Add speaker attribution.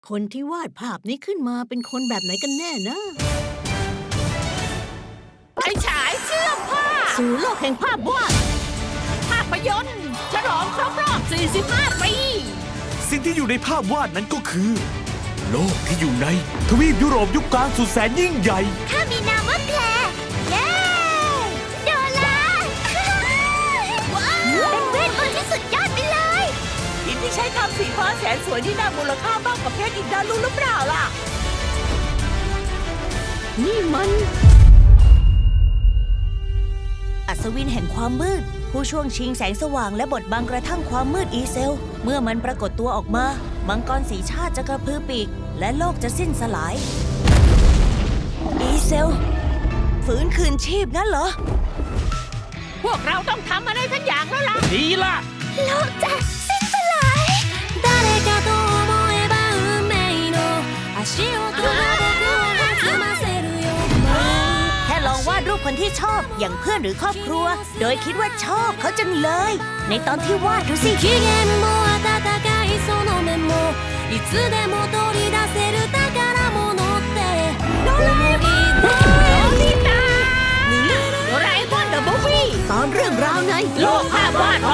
Speaker 1: คนที่วาดภาพนี้ขึ้นมาเป็นคนแบบไหนกันแน่นะ
Speaker 2: ไฟฉายเชื่อมภาพ
Speaker 1: สู่โลกแห่งภาพวาด
Speaker 2: ภาพยนตร์ฉลองครบรอบ 45 ปี
Speaker 3: สิ่งที่อยู่ในภาพวาดนั้นก็คือ โลกที่อยู่ในทวีปยุโรปยุคกลางสุดแสนยิ่งใหญ่
Speaker 4: ข้ามีนามว่าแคลร์เย้โดลาเป็นเวทมนต์ที่สุดยอดไปเลย
Speaker 2: หินที่ใช้ทำสีฟ้าแสนสวยที่น่ามูลค่ามากกว่าเพชรอีกดารู้หรือเปล่าล่ะ
Speaker 1: นี่มัน
Speaker 5: อัศวินแห่งความมืด ผู้ช่วงชิงแสงสว่างและบดบังกระทั่งความมืดอีเซล เมื่อมันปรากฏตัวออกมา มังกรสีชาติจะกระพือปีก และโลกจะสิ้นสลาย อีเซล ฝืนคืนชีพงั้นเหรอ
Speaker 2: พวกเราต้องทำอะไรสักอย่างแล้วล่ะ
Speaker 3: ดีล่ะ
Speaker 4: โลกจะสิ้นสลาย誰かと思えば運命の足音が僕を弾ませるよ
Speaker 5: แค่ลองวาดรูปคนที่ชอบอย่างเพื่อนหรือครอบครัว โดยคิดว่าชอบเขาจังเลย ในตอนที่วาดดูสิ
Speaker 4: 機嫌も温かいその目もいつでも取り出せる宝物って思い出
Speaker 2: โดราเอมอนเดอะมูฟวี่
Speaker 1: ตอนเรื่องราวใน
Speaker 2: โลกภาพวาด